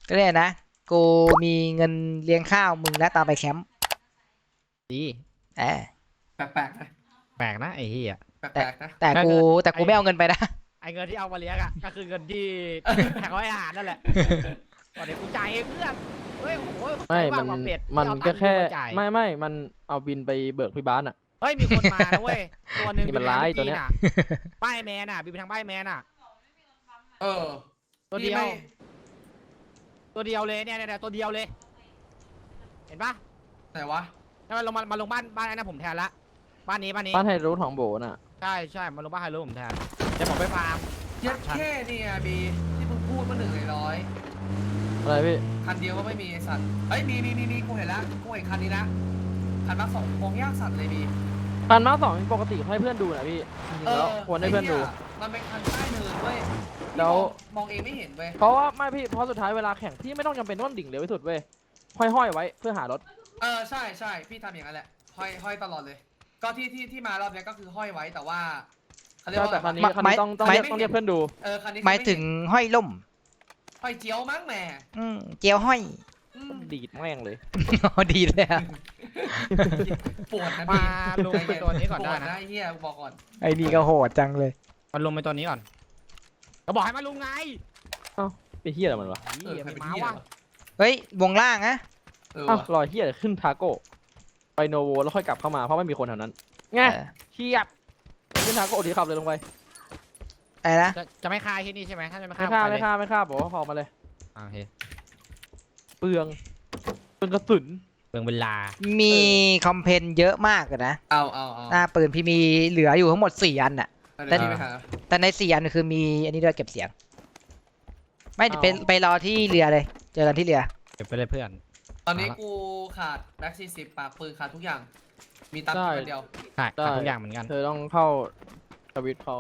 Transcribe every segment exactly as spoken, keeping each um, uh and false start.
ก็เลยนะกูมีเงินเลี้ยงข้าวมึงและตามไปแคมป์ดีแหมแปลกๆนะแปลกนะไอ้เหี้ยแปลกๆนะแต่กูแต่กูไม่เอาเงินไปนะไอ้เงินที่เอามาเลี้ยงอ่ะก็คือเงินที่แข่งร้อยอาหารนั่นแหละตอนนี้กูจ่ายเองเพื่อนเฮ้ยโอ้โหไม่มันว่าเป็ดมันที่เอาก็ตังแค่มาจ่ายไม่ไม่มันเอาบินไปเบิกพี่บ้านอ่ะเฮ้ยมีคนมานะเว้ยตัวหนึ่งนี่มันร้ายตัวเนี้ยป้ายแมนอ่ะบินไปทางป้ายแมนอ่ะเออตัวเดียวพี่ไม่ตัวเดียวเลยเนี่ยเนี่ยตัวเดียวเลย เห็นปะไหนวะแล้วมันลงมามาลงบ้านบ้านไอ้นั่นผมแทนละบ้านนี้บ้านนี้บ้านไฮรูทของโบน่ะใช่ใช่มาลงบ้านไฮโลผมแทนเดี๋ยวผมไปฟาร์มเย็ดแค่เนี่ยบีที่มึงพูดเมื่อหนึ่งในร้อยอะไรพี่คันเดียวก็ไม่มีไอสัตว์เอ้ยมีมีมีมีกูเห็นแล้วกูเห็นคันนี้นะคันมาสองโคงยากสัตว์เลยบีพันมาสองปกติให้เพื่อนดูนะพี่จริงๆแล้วควรให้เพื่อนดูมันเป็นคันใต้เนินเว้ยแล้วมองเองไม่เห็นเว้ยเพราะว่าไม่พี่เพราะสุดท้ายเวลาแข่งพี่ไม่ต้องจำเป็นต้องดิ่งเร็วที่สุดเว้ยห้อยๆไว้เพื่อหารถเออใช่ใช่พี่ทำอย่างนั้นแหละห้อยห้อยตลอดเลย ก็ที่ที่ที่มารอบนี้ก็คือห้อยไว้แต่ว่าเขาเรียกใช่ว่าแต่คันนี้ไม่คันนี้ต้องต้องไม่เรียกต้องเรียกเพื่อนดูเออคันนี้หมายถึงห้อยล่มห้อยเจียวมั้งแหมอืมเจียวห้อยอืมดีดแม่งเลยอ๋อดีเลยอะปวดนะมาพี่ลงไปตัวนี้ก่อนปได้วดนะนะไอ้เฮียกูบอกก่อนไอ้นี่ก็โหดจังเลยมาลงไปตัวนี้ก่อนก็บอกให้มาลุงไงไปเฮียอะไรมันวะเหี้ยใครไม่เป็นมาเหี้ยว่ะวะเฮ้ยวงล่างนะเอออ้าวว่ะรอยเฮียขึ้นทาโก้ไปโนโวแล้วค่อยกลับเข้ามาเพราะไม่มีคนแถวนั้นไงเออเชียบขึ้นทาโก้ดีขับเลยลงไปอะไรนะจะจะไม่คายที่นี่ใช่ไหมถ้าจะไม่ไม่คายฆ่าไปเลไม่ยฆ่าไม่ฆ่าบอกว่าพอมาเลยอ่าโอเคเปลืองเปลืองกระสุนเปลืองเวลามีคอมเพนเยอะมากเลยนะเอาเอาเอาหน้าปืนพี่มีเหลืออยู่ทั้งหมดสี่อันน่ะเดี๋ยวพี่ไปหาแต่ในสี่อันคือมีอันนี้ด้วยเก็บเสียง ไม่ไปไปรอที่เรือเลย เจอกันที่เรือเก็บไปเลยเพื่อนตอนนี้กูขาดแบ็กซีสิบปากปืนขาดทุกอย่าง มีตังค์คนเดียวใช่ขาดทุกอย่างเหมือนกันเธอต้องเข้าสวิตช์เขา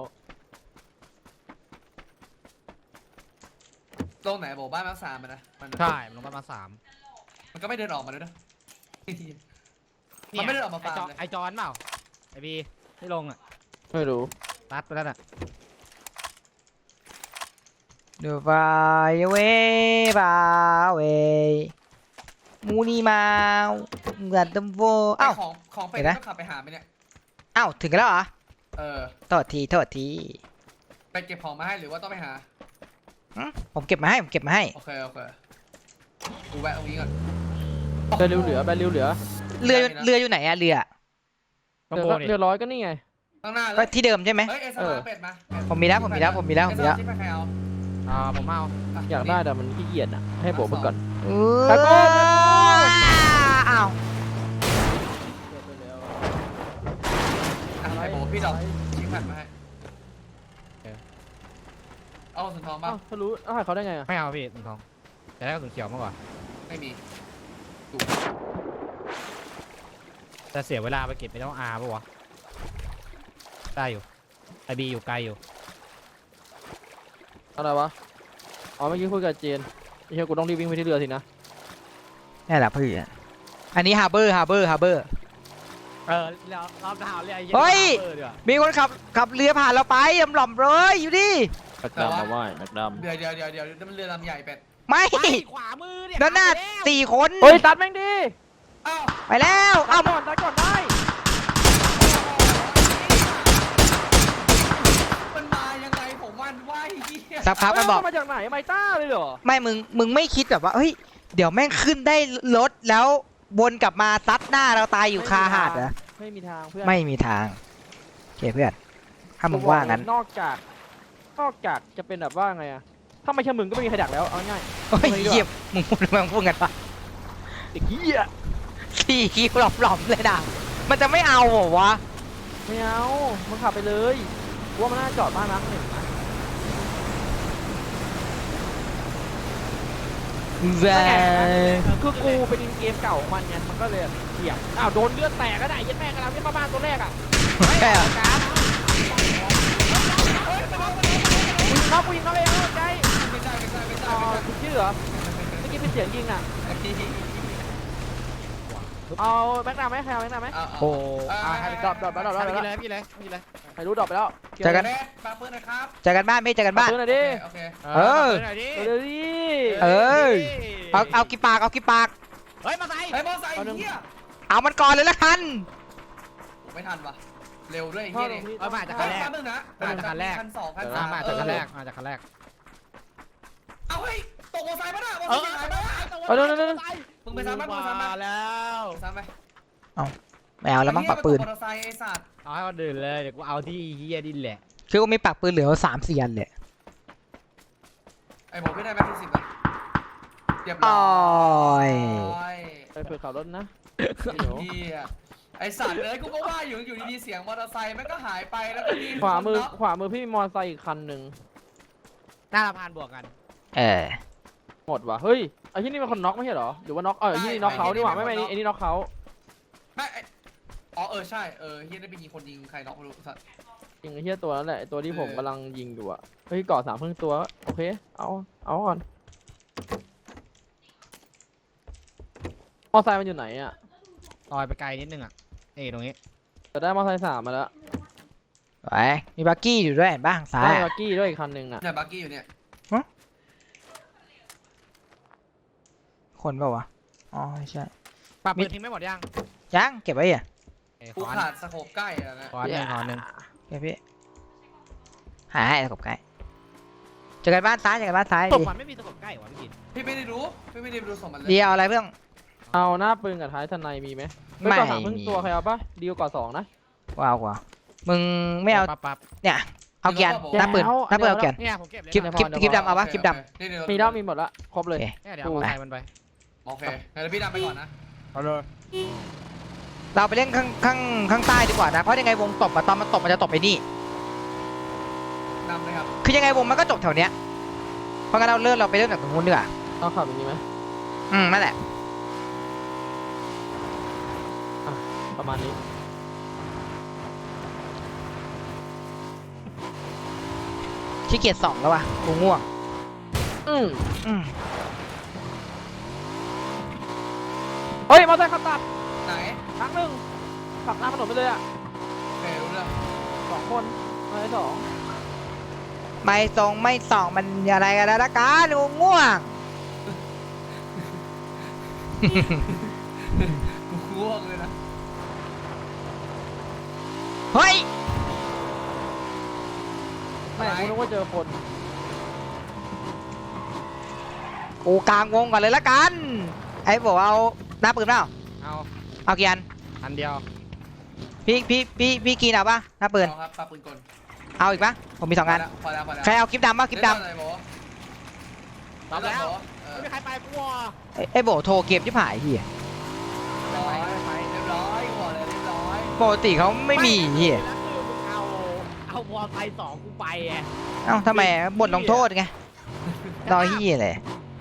ตรงไหนบอกบ้านแม็กซามมันนะมันใช่ลงประมาณสามมันก็ไม่เดินออกมาด้วยนะ มันไม่ได้ออกมาฟาร์มเลยไอจอนเปล่าไอบีที่ลงอ่ะไม่รู้รัดไปแล้วน่ะดูฟายเวบาเวมูนีมาวกัดดัมโวไอ้อ้าวของของเป็ดเห็นไหมก็ขับไปหาไปเนี่ยอ้าวถึงกันแล้วเหรอเออโทษทีโทษทีไปเก็บของมาให้หรือว่าต้องไปหาหึผมเก็บมาให้ผมเก็บมาให้โอเคโอเคกูแวะตรงนี้ก่อนแบริวเหลือแบริวเหลือเรือเรืออยู่ไหนอะเรือต้องเรือโบก็นี่เรือร้อยก็นี่ไงข้างหน้าเลก็ยที่เดิมใช่ไหมเฮ้ยเอสเออมาเป็ดมาเป็ดผมมีแล้วผมมีแล้วผมมีแล้วผมมีแล้วเอสมาที่ใครเอาอ่าผมเอาะอยากได้แต่มันขี้เกียจอ่ะให้โบกมันก่อนเอตะโกนอ้าวอ่ะไอ้โบพี่ดอกชิงแผ่นมาให้เอาสุนทองป่ะอ้าวเขารู้อ้าวเขาได้ไงอ่ะไม่เอาพี่ถุงทองแต่ได้กระสุนเขียวมากกว่าไม่มีแต่เสียเวลาไปเก็บไม่ต้องอาร์ป่ะวะได้อยู่ไอบีอยู่ไกลอยู่อะไรวะอ๋อเมื่อกี้คุยกับเจนไม่ใช่กูต้องรีบวิ่งไปที่เรือสินะนี่แหละเพื่อนอันนี้ฮาร์เบอร์ฮาร์เบอร์ฮาร์เบอร์เออเราเราดาวเรียกเฮ้ยเออเดี๋ยวมีคนขับขับเรือผ่านเราไปยำหล่อมเลยอยู่ดิแม็กดำมาไหว้แม็กดเดี๋ยวเดี๋ยวเดี๋ยวเดี๋ยวเดี๋ยวมันเรือลำใหญ่เป็ดไม่ไปขวามือเนี่ยด้านหน้าไปแล้วสี่คนำเฮ้ยตัดแม่งดิอ้าวไปแล้วตัเอ้าดก่อนตัดก่อนได้มันมายังไงผมวันไหวเหี้ยสักพักมันบอกเฮ้ยเามาจากไหนไมต้าเลยเหรอไม่มึงมึงไม่คิดแบบว่าเฮ้ยเดี๋ยวแม่งขึ้นได้รถแล้ววนกลับมาซัดหน้าเราตายอยู่คาหาดเหรอไม่มีทางเพื่อนไม่มีทางโอเคเพื่อนถ้ามึงว่างั้นนอกจากนอกจากจะเป็นแบบว่าไงอะถ้าไม่ใช่มึงก็ไม่มีใครดักแล้วเอาง่ายโอ้ยเยี่ยมมึงพูดมึงพูดกันปะเด็กเหี้ยสี่คิวหลอมๆเลยนะมันจะไม่เอาเหรอวะไม่เอามึงขับไปเลยกูว่ามันน่าจอดบ้านนักหนึ่งนะแหวคือกูเป็นเกมเก่าของมันไงมันก็เลยเสียบอ้าวโดนเลือดแตกก็ได้ยัดแม่กันแล้วที่บ้านตัวแรกอ่ะแค่การเข้ากูยิงเขาเองเข้าใจไม่ใช่ไม่ใช่ไม่ใช่อ๋อไม่ใช่คุณชื่อเหรอเมื่อกี้เป็นเสียงยิงอ่ะไอ้ที่เอาแม็กดาไหมใครเอาแม็กดาไหมเอาเอาโอ้เอาให้ดรอปดรอปดรอปดรอปไปดรอปเลยพี่เลยพี่เลยใครรู้ดรอปไปแล้วเจอกันแม่ปาปืนนะครับเจอกันบ้านไม่เจอกันบ้านซื้อหน่อยดิโอเคเออหน่อยดิเดี๋ยวดิเอเออเอาเอากี่ปากเอากี่ปากเฮ้ยมาใส่ไอ้บอสไอ้เหี้ยเอามันก่อนเลยละกันไม่ทันวะเร็วด้วยไอ้พ่อเหี้ยลนี่งที่เอ้ยมาจากคัคันนแรแรกกนึงนะมาจากคันแรกคันสองคันเออสามมาจากคันแรกมาจากคันแรกเอาเฮ้ยตกมอไซค์ป่ะน่ะมอเอไซอค์หายไปป่ะเออเดี๋ยวเดี๋ยวเดี๋ยวมึงไปซ้ำไหมมึงไปซ้ำไหมมาแล้วซ้ำไหมไม่เอาแล้วมั้งปักปืนมอเตอร์ไซค์ไอ้สัตว์เอาให้เขาดื่นเลยเดี๋ยวกูเอาที่เฮียดินแหละคือว่ามีปักปืนเหลือสามสี่อันเลยไอ้ผมไม่ได้แม็กซ์สิบเลยเรียบร้อ้ออยยไปเปิดขับรถนะเฮียไอสัตว์เลยกูก็ว่าอยู่อยู่ดีๆเสียงมอเตอร์ไซค์มันก็หายไปแล้วก็มีขวามือคนน็กขวามือพี่มีมอเตอร์ไซค์อีกคันหนึ่งหน้าสะพานบวกกันเออหมดว่ะเฮ้ยไอ้ที่นี่เป็นคนน็อกไม่ใช่เหรอหรือว่าน็อกเออไอ้ที่นี่น็อกเขาดีกว่าไม่ไม่ไอ้นี่น็อกเขาไม่ไอ้อ๋อเออใช่เออเฮียได้ไปยิงคนยิงใครน็อกไม่รู้สัตว์จริงไอ้เหี้ยตัวนั้นแหละไอ้ตัวที่ผมเออกำลังยิงอยู่อะเฮ้ยเกาะสามครึ่งตัวโอเคเอาเอาก่อนมอเตอร์ไซค์มันอยู่ไหนอะลอยไปไกลนิดนึงอ่ะนี่ตรงนี้จะได้มอเตอร์ไซค์สามมาแล้วไว้มีบักกี้อยู่ด้วยเห็นบ้างซ้ายได้อะบักกี้ด้วยอีกคันหนึ่งอะเนี่ยบักกี้อยู่เนี่ยคนเปล่าวะอ๋อไม่ใช่ปรับปืนทิ้งไม่หมดยังยังเก็บไว้อ่ะเอ้ยกูขอขาดสโคปใกล้อะนะขอหนึ่งขอหนึ่งเก็บพี่หาให้ตะกบไก่เจอกันบ้านซ้ายเจอกันบ้านซ้ายตดีบมันไม่มีสกปรกใกล้หวะพี่กินพี่ไม่ได้รู้พี่ไม่ได้ดูสมมันเลยเดียวเอาอะไรเพื่อนเอาหน้าปืนกับท้ายทนายมีไหมไม่เก่อนสามครึ่งมีตัวใครเอาปะดีลก่อนสองนะว้าวกว่ามึงไม่เอาปั๊บปั๊บเนี่ยเอาเกียร์หน้าปืนหน้าปืนเอาเกียร์เนี่ยผมเก็บเลยคลิปนะคลิปคลิปดำเอาปะคลิปดนี่เดี๋ยวมีแล้วมีหมดละครบเลยโอเคเนี่ยเดี๋ยวเอามอเตอร์ไซค์มันไปโอเคงั้นพี่ดำไปก่อนนะเอาเลยำเราไปเล่นข้างข้างข้างใต้ดีกว่านะเพราะยังไงวงตบอะตอนมันตบมันจะตบไปนี่ดำเลยครับคือยังไงวงมันก็จบแถวเนี้ยเพราะงั้นเราเลื่อนเราไปเริ่มจากตรงนู้นดีกว่าต้องขับอย่างนี้ไหมอืมนั่นแหละประมาณนี้ขี้เกียจส่องแล้ววะกูง่วงอืมอืมเฮ้ยมอเตอร์ไซค์ขับตัดไหนครั้งหนึ่งขับหน้าถนนไปเลยอะโอเครู้เรื่องสองคนมอเตอร์ไซค์สองไม่ส่องไม่ส่องมันอะไรกันแล้วละกันกูง่วงกูง่วงเลยนะเฮ้ยแม่งกูนึกว่าเจอคนกูกลางวงก่อนเลยละกันไอ้บอกเอาหน้าปืนเปล่าเอาเอากี่อันอันเดียวพี่พี่พี่พี่กินเอาปะหน้าปืนเอาครับปาปืนกลเอาอีกปะผมมีสองอันพอแล้วพอแล้วใครเอาคลิปดำปะคลิปดเล่นอะไรโบตอบแล้วเออไม่มีใครไปกูวะำไอ้ไอ้โบโทรเกมที่ผ่ายเฮียเรียบร้อยเรียบร้อยกูบอกเลยเรียบร้อยปกติเขาไม่มีเฮียแล้วคือมึงเอาเอาวอลไซค์สองกูไปไงเอ้าทำไมบทลงโทษไงรอเฮียเลย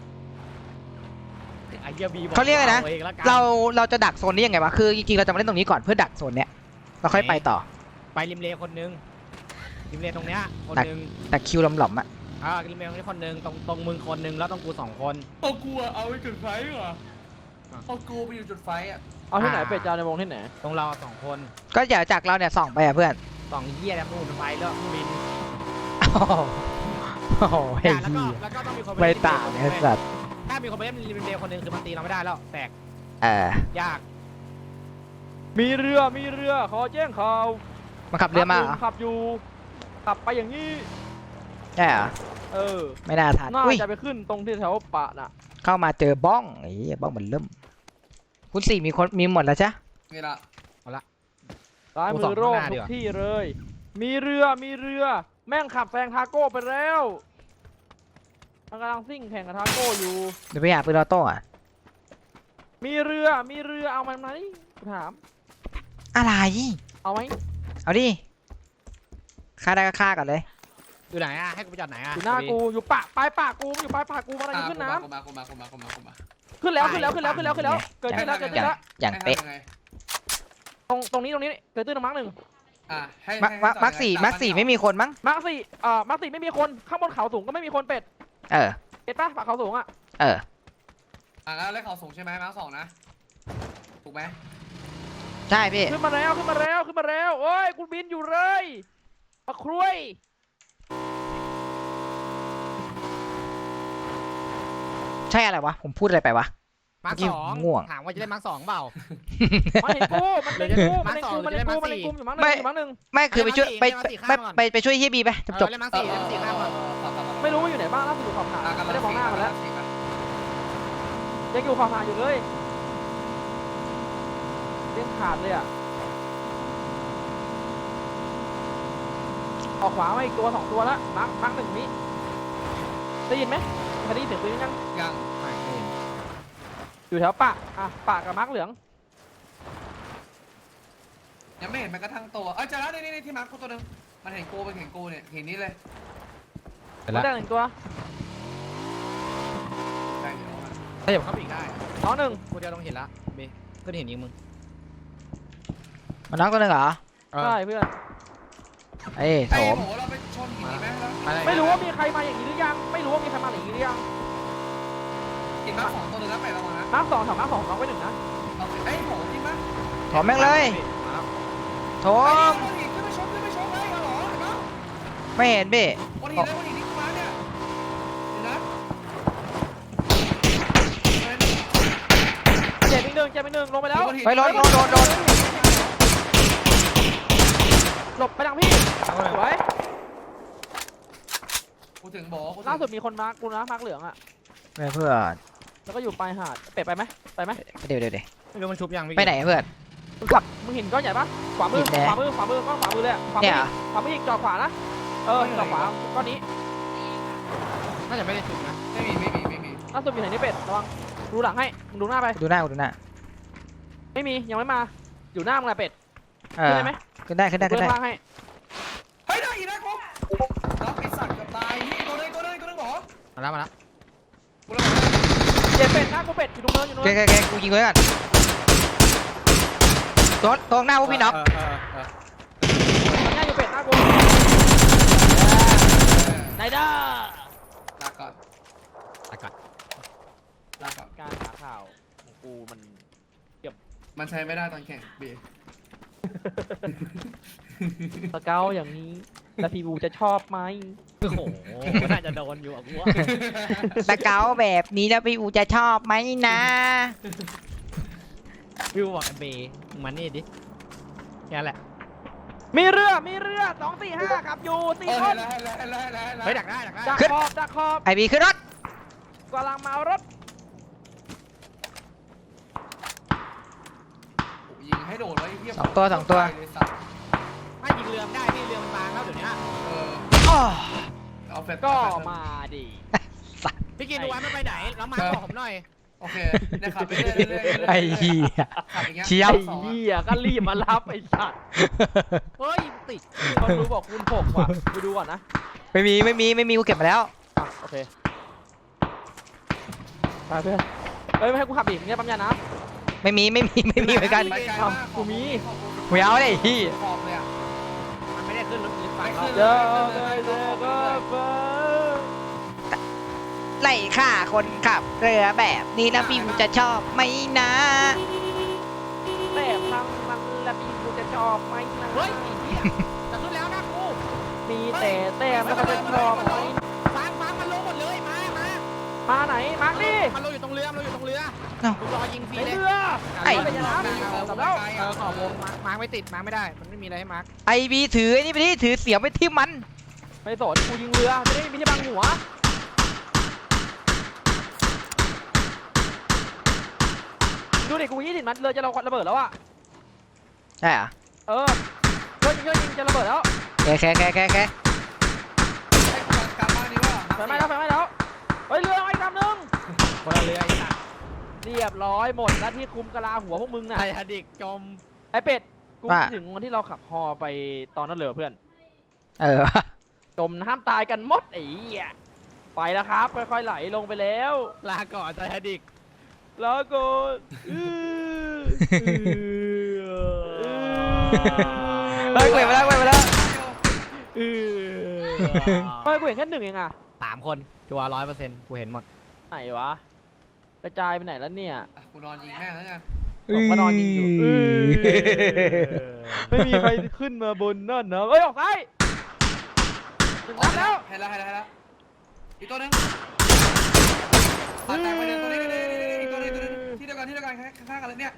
ไอ้เหี้ยบีบเขาเรียกอะไรนะอองลกัเราเราจะดักโซนนี้ยังไงวะคือจริงๆเราจะมาเล่นตรงนี้ก่อนเพื่อดักโซนเนี้ยเราค่อยไปต่อไปริมเลคนนึงริมเลตรงเนี้ยคนดักนึงดักคิวหลอมๆอ่ะอ่าริมเลตรงนี้คนนึงตรงตรงมึงคนนึงแล้วตรงกูสองคนเอากูอะเอาไปจุดไฟเหรอเอากูไปอยู่จุดไฟอะเอาที่ไหนอ่าเป็ดจานในวงที่ไหนตรงเราสองคนก็อย่าจากเราเนี่ยส่องไปอ่ะเพื่อนสองเหี้ยแล้วนู่นไปแล้วบินโอ้โหโอ้โหเฮีแล้วก็ยแล้วก็ต้องมีคนปไม่เล่นต่างริมเลไอ้คนนึงสัตว์ถ้ามีคนไปเล่นริมเลคนนึงคือมันตีเราไม่ได้แล้วแตกเออยากมีเรือมีเรือขอแจ้งข่าวมาขับเรือมาเหรอขับอยู่ขับไปอย่างนี้ใช่เหรอเออไม่น่าทันน่าอุ้ยจะไปขึ้นตรงที่แถวปะน่ะเข้ามาเจอบ้องไอ้เหี้ยบ้องมันเริ่มคุณสี่มีคนมีหมดแล้วจ้ะนี่ละซ้ายมือโรคทุกที่เลย มีเรือมีเรือ แม่งขับแซงทาโก้ไปแล้วมันกำลังซิ่งแข่งกับทาโก้อยู่เดี๋ยวไปหาปืนออโต้อะมีเรือมีเรือเอามันไหมกูถามอะไรเอาไหมเอาดิฆ่าได้ก็ฆ่าก่อนเลยอยู่ไหนอ่ะให้กูไปจอดไหนอ่ะอยู่หน้ากูอยู่ปะปลายปากกูอยู่ปลายปากกูมันกำลังอ่ะจะขึ้นน้กูมากูมากูมากูมากูมาำขึ้นแล้วขึ้นแล้วขึ้นแล้วขึ้นแล้วขึ้นแล้วเกิดขึ้นแล้วเกิดขึ้นแล้วอย่างเป๊ะให้ทำยังไงตรงตรงนี้ตรงนี้เกิดตื้นมาร์กหนึ่งอ่ะให้มาให้มาให้มาร์คสี่ตมาร์คสี่ไม่มีคนมั้งมาร์กสี่เอ่อมาร์กสี่ไม่มีคนข้างบนเขาสูงก็ไม่มีคนเป็ดเออเป็ดปะปากเขาสูงอ่ะเอออ่ะแล้วเลขเขาสูงใช่ไหมมาร์คสองนะถูกไหมใช่พี่ขึ้นมาแล้วขึ้นมาแล้วขึ้นมาแล้วโอ้ยกูบินอยู่เลยมาครุยใช่อะไรวะผมพูดอะไรไปวะมาร์คเมื่อกี้สองง่วงถามว่าจะได้มาร์คสองเปล่ามันเห็นกูมันเล็งกูมันเล็งกูมันเล็งกูมันเล็งกูอยู่มั้งหนึ่งอยู่มั้งหนึ่งไม่คือไปช่วยไปเอาไปมาสี่ไปไปไปช่วยเฮียบีไปจบเอจอบ เล่นมาร์คสี่เล่นมาร์คสี่ข้ามก่อนไม่รู้ว่าอยู่ไหนบ้างล่าสุดอยู่ขอบหาดไม่ได้มองหน้ามันแล้วยังอยู่ขอบหาดอยู่เลยเลี้ยงขาดเลยอ่ะออกขวามาอีกตัวสองตัวแล้วมาร์คมาร์คหนึ่งนี้ได้ยินไหมเคยได้ยินเสียงปืนยังยังไม่เห็นอยู่แถวปากอ่ะปากกับมาร์คเหลืองยังไม่เห็นแม้กระทั่งตัวเอ้ยเจอแล้วนี่นี่ที่มาร์คกูตัวหนึงมันเห็นกูมันเห็นกูเนี่ยเห็นนี้เลยเห็นมาแล้วได้หนึ่งตัวใช่เดี๋ยวมันถ้าอย่าเข้าไปอีกได้น้องหนึ่งกูเดียวต้องเห็นละเบก็เห็นยิงมึงมันน้องตัวหนึงเหรอใช่เพื่อนเอ้ยโถไอ้มโหเราไปชนหินนี้ไหมแล้วอะไรไม่รู้ว่ามีใครมาอย่างนี้หรือยังไม่รู้ว่ามีใครมาอย่างนี้หรือยังหินมาร์คสองตัวหนึงแล้วไประวังนะมาร์คสองแถวมาร์คสองน้องไว้หนึ่งนะเอาไปไอ้โหจริงปะโถมแม่งเลยโถไอ้มนี่ขึ้นไปชนขึ้นไปชนเลยเอาเหรอเห็นปะไม่เห็นพี่วันหินเลยวันหินนี่กูมาเนี่ยเห็นนะเจ็บอีกหนึ่งเจ็บอีกหนึ่งลงไปแล้วไปโดนโดนโดนโดนหลบไปทางพี่สวยกูถึงบอกกูถึงล่าสุดมีคนมาร์คกูนะมาร์คเหลืองอ่ะไม่เพื่อนแล้วก็อยู่ปลายหาดเป็ดไปไหมไปไหมเดี๋ยวเดี๋ยวเดี๋ยวไม่รู้มันชุบยังไปไหนเพื่อนมึงขับมึงเห็นก้อนใหญ่ปะขวามือเห็นแน่ขวามือขวามือก้อนขวามือเลยอะขวามืเนี่ยอขวามืออีกจอดขวานะเออจอดขวาก้อนนี้น่าจะไม่ได้ชุบนะไม่มีไม่มีไม่มีล่าสุดมีไหนนี่เป็ดระวังดูหลังให้มึงดูหน้าไปดูหน้ากูดูหน้าไม่มียังไม่มาอยู่หน้ามึงแหละเป็ดเอขึ้นอได้ไหมขึ้นได้ขึ้นได้เดิขึ้นได้นล่างให้เฮ้ยได้อีกนะกูรับไอ้สัตว์เกือบตายนี่ตัวนึงตัวนึงตัวนึงหรอมาแล้วมาแล้วกูระวังเจ็บเป็ดหน้ากูเป็ดอยู่ตรงเนินอยู่ตรงแกเนินแกแกกูยิงไว้ก่อนตัวตรงหน้าพวกพี่น็อกเออเออเออหน้าอยู่เป็ดหน้ากูไนเด้อลาก่อนอากาศลาก่อนการหาข่าวของกูมันมันใช้ไม่ได้ตอนแข่งบีสเกลอย่างนี้แล้วพี่บูจะชอบไหมโอ้โหน่าจะโดนอยู่อ่ะกูว่าสเกลแบบนี้แล้วพี่อูจะชอบไหมนะวิวบอกเบมึงมานี่ดิแค่แหละมีเรือมีเรือสองสี่ห้าขับอยู่เอสี่อคเห็นนแล้วเห็นแล้วเห็นแล้วเห็นแล้วเห็นแล้วเฮ้ยดักได้ดักได้ดักขอบดักขอบไอบีขึ้นรถกำลังมารถยิงให้โดนไว้เหี้ยสองตัวสองตัวเลยสัตว์ไม่ยิงเรือไม่ได้พี่เรือมันบางแล้วเดี๋ยวนี้เอออ้อเอาเฟสก็มาดิพี่กินดูวันไม่ไปไหนแล้วมาบอกผมหน่อยโอเคเนี่ยขับไปเรื่อยๆเรื่อยๆไอ้เหี้ยขับอย่างเงี้ยเชียบไอ้เหี้ยก็รีบมารับไอ้สัตว์เฮ้ยติดคนรู้บอกคุณหกว่ะไปดูก่อนนะไม่มีไม่มีไม่มีกูเก็บมาแล้วอ่ะโอเคไปเพื่อนเฮ้ยไม่ให้กูขับอีกเนี่ยปั๊มยานะไม่มีไม่มีไม่มีเหมือนกันไปไกลอ้าวมากกูมีไม่เอาเลยพี่ขอบเลยอ่ะมันไม่ได้ขึ้นรถลิฟต์ไปไม่ขึ้นเดี๋ยวเดี๋ยวเดี๋ยวก็ไปไล่ฆ่าคนขับเรือแบบนี้แล้วพี่อูจะชอบไหมนะแต่ทางมันและพี่กูจะชอบไหมนะเฮ้ยจะขึ้นแล้วนะกูมีแต่แต่มันก็จะชอบไหมฟังฟังมันลงหมดเลยมามามาไหนมาดิมันลงอยู่ตรงเรือมันลงอยู่ตรงเรือเอ้ามึงรอยิงฟรีในเลยเรือไอ้เป็นยังไงนะจับแล้วเออขอบวงมาร์คมาร์คไม่ติดมาร์คไม่ได้มันไม่มีอะไรให้มาร์คไอบีถือไอ้นี่ไปที่ถือเสียบไปที่มันไม่สนกูยิงเรือจะได้มีที่บังหัวดูดิกูยี่สิบนัดเรือจะเราระเบิดแล้วอ่ะใช่เหรอเออเพื่อนยิงเพื่อนยิงจะระเบิดแล้วแกแกแกแกแกไอ้กูกลับบ้านนี้ว่าไฟไหม้แล้วไฟไหม้แล้วเฮ้ยเรือเอาอีกลำนึงคนละเรือไอ้สัตว์เรียบร้อยหมดหน้าที่คุมกะลาหัวพวกมึงน่ะไททานิกจมไอ้เป็ดกูคิดถึงวันที่เราขับฮอไปตอนนั้นเลยเพื่อนเออจมน้ำตายกันหมดไอ้เหี้ยไปแล้วครับค่อยๆไหลลงไปแล้วลาก่อนไททานิกแล้วก็อื้อเฮ้ยเว้ยมาแล้วเว้ยมาแล้วเออเฮ้ยกูเห็นแค่หนึ่งเองอะสามคนชัวร์ร้อยเปอร์เซ็นต์กูเห็นหมดไหนวะกระจายไปไหนแล้วเนี่ยกูนอนยิงแม่งแล้วกันผมก็นอนยิงอยู่อือไม่มีใครขึ้นมาบนนั่นนะเอ้ยออกซ้ายหนึ่งนัดแล้วเห็นแล้วเห็นแล้วเห็นแล้วอีกตัวนึงตายตายไปกันข้างๆกันเลยเนี่ย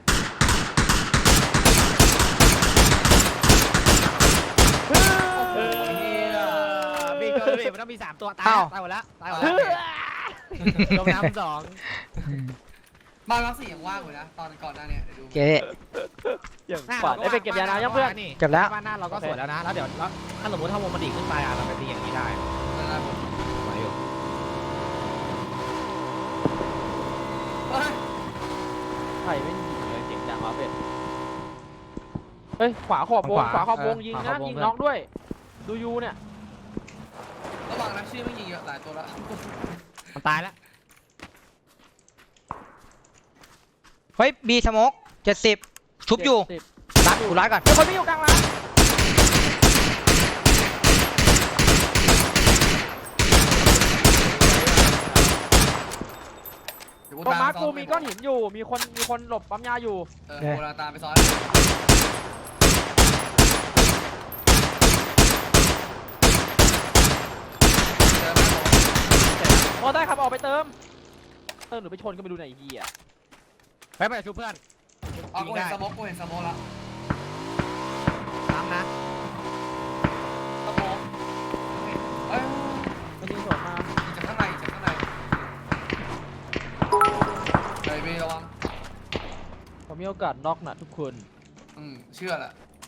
เออมีเกินมันต้องมีสามตัวตายตายหมดแล้วตายหมดแล้วลงน้ำสองบ้านรักสี่ยังว่างอยู่นะตอนก่อนหน้าเนี่ยเดี๋ยวดูเก๋อย่างฝันได้ไปเก็บยาน้ำยังเพื่อนเก็บแล้วบ้านหน้าเราก็สวยแล้วนะแล้วเดี๋ยวถ้าสมมติถ้าวงมันดีขึ้นไปอ่ะเราไปตีอย่างนี้ได้ไหวอยู่เฮ้ยใครไม่ยิงเลยเสียงดังวะเป็ดเฮ้ยขวาขอบวงขวาขอบวงยิงนะยิงน็อกด้วยดูยูเนี่ยระวังนะชื่อไม่ยิงเยอะหลายตัวแล้วมันตายแล้วเฮ้ยบีสโมกเจ็ดสิบชุบอยู่เจ็ดสิบรัดกูรัดก่อนมีคนไม่อยู่กลางร้านเดี๋ยวตรงมาร์คซ้กูมีก้อนหินอยู่มีคนมีคนหลบปั๊มยาอยู่เออโบราณตามไปซ้อนเจอไหมผมพอได้ครับออกไปเติมเติมหรือไปชนก็ไม่ดูไหนเฮียไปไปชูเพื่อนอ๋อกูเห็นสโมกกูเห็นสโมกแล้วน้ำนะสโมกเอ้ยมันยิงสวนมายิงจากข้างในจากข้างในเฮ้ยบีระวังผมมีโอกาสน็อกนะทุกคนอืมเชื่อแหละ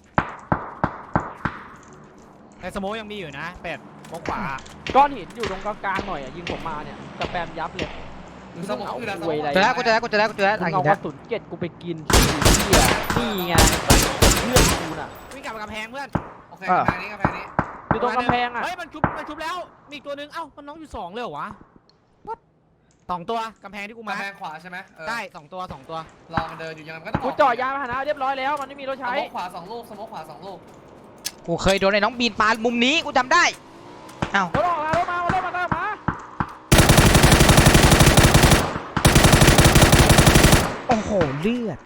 ในสโมยังมีอยู่นะเป็ดมองขวาก้อนหินอยู่ตรงกลางๆหน่อยอ่ะยิงผมมาเนี่ยสแปมยับเลยดูสโมกคืออะไรสโมกเจอแล้วกูเจอแล้วกูเจอแล้วกูเจอแล้วมึอ่ะงหิเอานกแล้ระวสุนเก็ดกูไปกินที่เฮียนี่ไงเพื่อนกูน่ะวิ่งกลับมากำแพงเพื่อนโอเคกำแพงนี้กำแพงนี้อยู่ตรงกำแพงอ่ะเฮ้ยมันชุบมันชุบแล้วมีอีกตัวนึงเอ้ามันน้องอยู่สองเลยเหรอวะสองตัวกำแพงที่กูมากำแพงขวาใช่ไหมเออได้สองตัวสองตัวรอมันเดินอยู่ยังไงมันก็ต้องกูจ่อยามาหานะเรียบร้อยแล้วมันไม่มีรถสใช้โมกขวาสองลูกสโมกขวาสองลูกกูเคยโดนไอ้น้องบีนปามุมนี้กูจำได้อ้าวรถออกมารถมารถมาเติมมาโอ้โหเลือด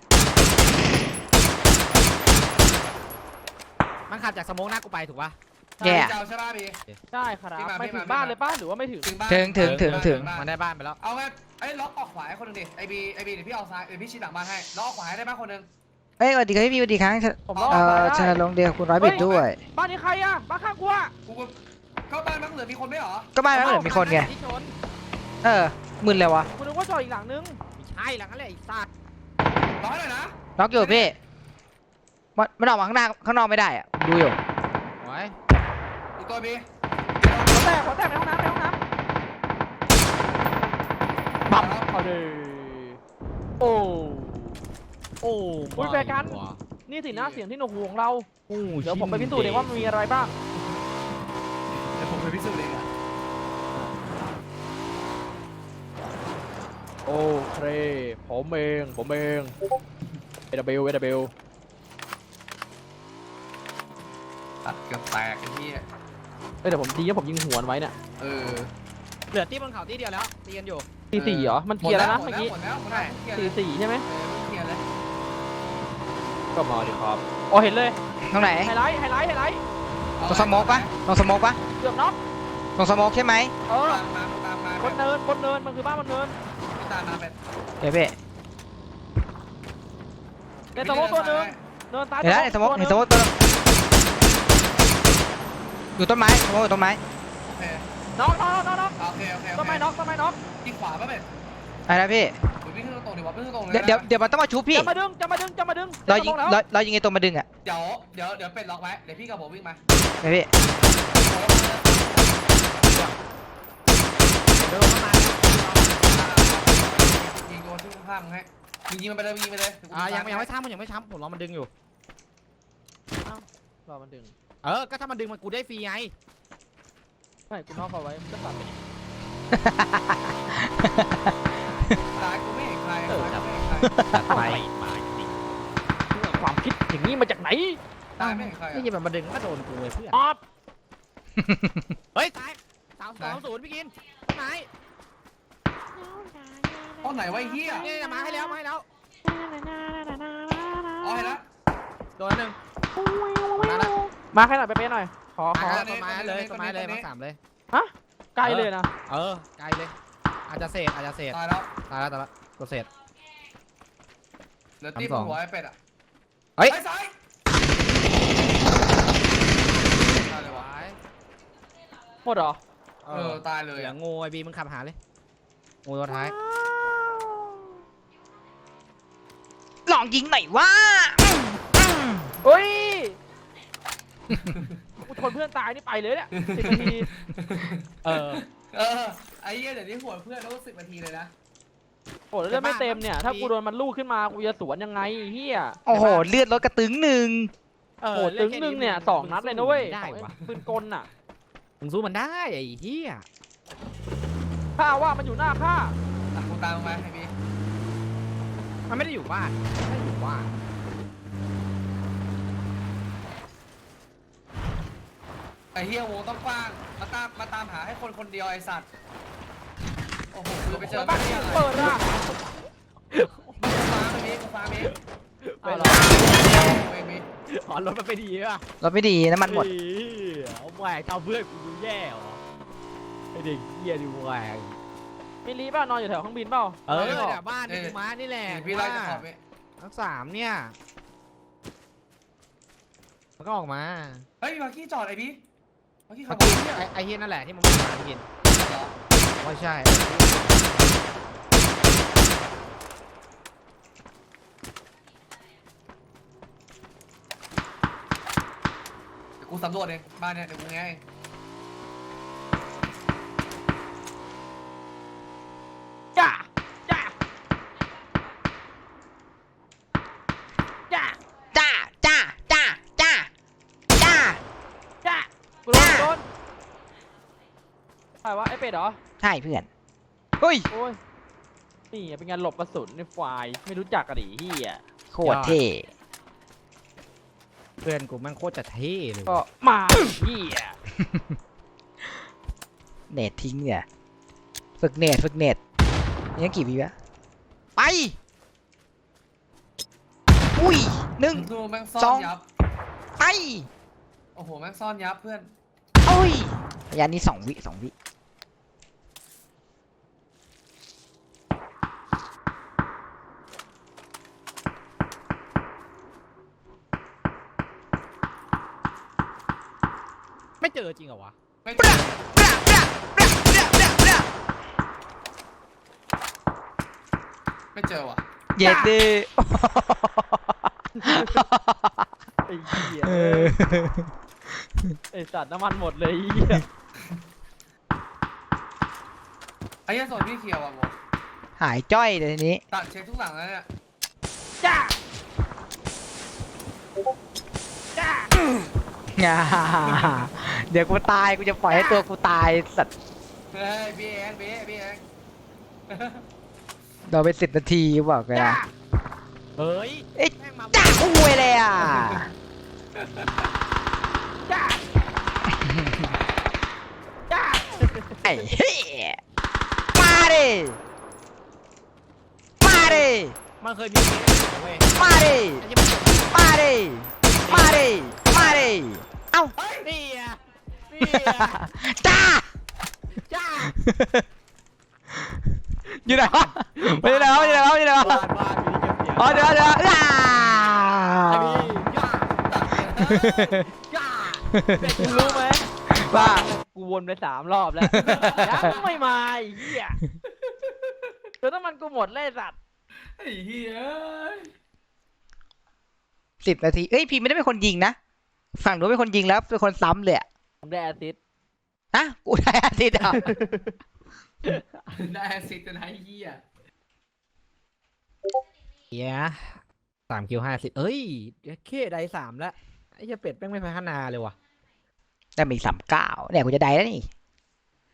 มันขับจากสโมกหน้ากูไปถูกปะแย่เจ้าใช่ป่ะบีใช่ครับพี่มาไปพี่ถึมางบ้านพี่มาเลยป้าหรือว่าไม่ถึงถึงบ้านถึงถึงถึงถึงมันได้บ้านไปแล้วเอาไงไอ้ล็อกออกขวาให้คนหนึงดิไอบีไอบีเดี๋ยวพี่เอาซ้ายเดี๋ยวพี่ชี้หลังบ้านให้ล็อกออกขวาให้ได้บ้างคนหนึงเอ้ยสวัสดีครับพี่สวัสดีครับผมรอดเอ่อได้ชนะลงเดียวคุณร้อยบิดด้วยบ้านนี้ใครอ่ะบ้านข้างกูอ่ะกูก็เข้าบ้านมั้งเหลือมีคนไหมเหรอก็บ้านนั้นเหมือนมีคนไงที่ชนเออมึนเลยวะกูนึกว่าจอดอีกหลังนึงไม่ใช่หลังนั้นแหละไอ้สัตว์รอให้หน่อยนะล็อกอยู่พี่มันมันออกมาข้างหน้าข้างนอกไม่ได้อะดูอยู่โอ้ยอีกตัวบีหัวแตกหัวแตกในห้องน้ำในห้องน้ปั๊บำเอาดิโอ้โอ้อุ๊ยแฟร์กัน นี่สินะเสียงที่หนวกหูของเราโอ้เดี๋ยวผมไปพิสูจน์เองว่ามันมีอะไรบ้างเดี๋ยวผมไปพิสูจน์เองอะโอเคผมเองผมเองเอเดบิลเอเดบิลตัดเกือบแตกไอ้ที่เอ้ยเดี๋ยวผมดีนะผมยิงหัวมันไว้เนี่ยเออเหลือที่บนเขาที่เดียวแล้วตีกันอยู่ตีสี่เหรอมันเคลียร์แล้วนะหมเมื่ดอกี้หมดแล้วหมดแล้วเคลียร์ตีเลยสี่ใช่ไหมเออเคลียร์เลยก็มาดิครับอ๋อเห็นเลยตรงไหนไฮไลท์ไฮไลท์ไฮไลท์ตรงสโมกปะตรงสโมกปะเกือบน็อกตรงสโมกใช่ไหมเออตามมาตามมาบนเนินบนเนินมันคือบ้านบนเนินพี่ตามมาเป็นเดี๋ยวพี่ในสโมกตัวหนึงเนินซ้ายเดี๋ยวนะในสโมกในสโมกตัวนึงอยู่ต้นไม้สโมกอยู่ต้นไม้โอเคน็อกน็อกน็อกน็อกโอเคโอเคต้นไม้น็อกต้นไม้น็อกที่ขวาป่ะเป็นอะไรนะพี่อุ้ยวิ่งขึ้นตรงๆดิวะวิ่งขึ้นตรงๆเลยเดี๋ยวเดี๋ยวเดี๋ยวมันต้องมาชุบพี่จะมาดึงจะมาดึงจะมาดึงเรายิงจะมาลเราแล้วเรายิงไอ้ตัวมาดึงอ่ะเดี๋ยวเดี๋ยวเดี๋ยวเป็ดล็อกไว้เดี๋ยวพี่กับผมวิ่งมาเดี๋ยวพี่เดินเข้ามายิงโดนที่ข้างๆให้ยิงยิงมันไปเลยยิงไปเลยอ่ายังยังไม่ช้ำมันยังไม่ช้ำผมรอมันดึงอยู่รอมันดึงเออก็ถ้ามันดึงมันกูได้ฟรีไงไม่กูน็อกเอาไว้มันก็ตัดไปนี่ตายกูไม่เห็นใครตายกูไม่เห็นใครไปความคิดอย่างนี้มาจากไหนตายไม่เห็นใครนี่ยิงมันมาดึงก็โดนกูเลยเพื่อนออฟเฮ้ยตายสามสองศูนย์พี่กินไหนต้นไหนวะไอ้เหี้ยนี่มาให้แล้วมาให้แล้วอ๋อเห็นแล้วโดนหนึ่งมาแล้วมาให้หน่อยไปเป๊ะหน่อยขอขอต้นไม้เลยต้นไม้เลยมาสามเลยใกล้เลยนะเออไกลเลย อาจจะเศษอาจจะเศษตายแล้วตายแล้วตายแล้วตัวเศษลือตีบนหัวไอ้เป็ดอ่ะเฮ้ยไปซ้ายตายเลยวะหมดเหรอเออตายเลยเหลืออ่ะงูไอ้บีมึงขับหาเลยงูตัวท้ายลองยิงหน่อยว่าเฮ้ย กูทนเพื่อนตายนี่ไปเลยเนี่ยสิบนาทีเออเออไอ้เหี้ยเดี๋ยวนี้หัวเพื่อนต้องสิบนาทีเลยนะโอ้แล้วเลือดไม่เต็มเนี่ย ถ้ากูโดนมันลูกขึ้นมา กูจะสวนยังไงเฮียโอ้โห เลือดลดกระตึงหนึ่งเออโอ้ตึงหนึ่งเนี่ยสองนัดเลยนะเว้ยได้สองวะปืนกลน่ะมึงสู้มันได้ไอ้เหี้ยข้าว่ามันอยู่หน้าข้าอ่ะกูตามมึงมาไอ้บีมันไม่ได้อยู่บ้านไม่ได้อยู่บ้านไอ้เหี้ยวงต้องกว้างมาตามมาตามหาให้คนคนเดียวไอ้สัตว์โอ้โหคือไปเจอบ้านไม่ที่ได้อะไรเปิดอ่ะกูฟ้าไอ้บีกูฟ้าเมฆเอาเหรอไอ้บีอ๋อรถมันไปดีป่ะรถไม่ดีน้ำมันหมดเอาแหวกเอาเพื่อนกูดูแย่เหรอไอเด็กเหี้ยดิแหวกมิลลีเปล่านอนอยู่แถวเครื่องบินเปล่าเออเนี่ยบ้านที่กูมานี่แหละพี่ไล่จะขอบเมฆทั้งสามเนี่ยมันก็ออกมาเฮ้ยมากี้จอดไอ้บีมากี้ขัเมื่บอรกี้ถไอ้ไอ้เฮียนั่นแหละที่มันไม่มากินเหรอไม่ใช่เดี๋ยวกูสำรวจเองบ้านเนี่ยเดี๋ยวกูแงะเองจ้าจ้าจ้าจ้า จ้า จ้า จ้า จ้าจ้ากูโดนกูโดนใครวะไอ้เป็ดเหรอใช่เพื่อน เฮ้ยโอ้ย นี่เป็นงานหลบกระสุนในไฟล์ไม่รู้จักกระดิเฮียโคตรเท่เพื่อนกูแม่งโคตรจะเท่เลยก็มาเฮียเน็ตทิ้งเนี่ย ฝึกเน็ตฝึกเน็ตยังกี่วิวะไป อุ้ยหนึ่งดูแม่งซ่อสอน งยับไปโอ้โหแม่งซ่อนยับเพื่อนโอ้ยระยะนี้สองวิสองวิไม่เจอจริงเหรอวะไม่ปะปะปะปะปะปะปะไม่เจอว่ะเย็ดดิไอ้เหี้ยเออไอ้สัตว์น้ำมันหมดเลยไอ้เหี้ยไอ้เหี้ยโซนพี่เขียวอ่ะโมหายจ้อยเลยทีนี้ตัดเช็คทุกหลังแล้วเนี่ยจ้าจ้าอ่าเดี๋ยวกูตายกูจะปล่อยให้ตัวกูตายสัตว์เฮ้ยพี่เองพี่พี่เองเราไปสิบนาทีบอกเลยจ้านะเฮ้ยเอ๊ะแม่งมาจ้าอุ้ยเลยอ่ะจ้าจ้าไอ้เหี้ยมาดิมาดิมันเคยมีเคสอยู่เว้ยมาดิไอ้ที่มันเกิดมาดิมาดิมาดิเอ้านี่อ่ะนี่อ่ะจ้าจ้าอยู่ไหนวะไปอยู่ไหนวะอยู่ไหนวะอยู่ไหนวะบ้านบ้านมีเก็บเสียงอ๋อเดี๋ยวเดี๋ยวอ่าไอ้พี่ย่าย่ากูรู้ไหมว่ากูวนไปสามรอบแล้วยังไม่มาไอ้เหี้ยจนน้ำมันกูหมดเลยสัตว์ไอ้เหี้ยสิบนาทีเอ้ยพี่ไม่ได้เป็นคนยิงนะฝั่งนู้นเป็นคนยิงแล้วเป็นคนซ้ำเลยอะผมได้แอสซิสต์ฮะกูได้อาทิตย์อ่ะได้แอสซิสต์นะไอ้เหี้ยเฮียสามคิวห้าสิบเอ้ยเดี๋ยวเคได้สามแล้วไอ้เหี้ยเป็ดแม่งไม่พัฒนาเลยว่ะได้มีสามเก้าเนี่ยกูจะได้แล้วนี่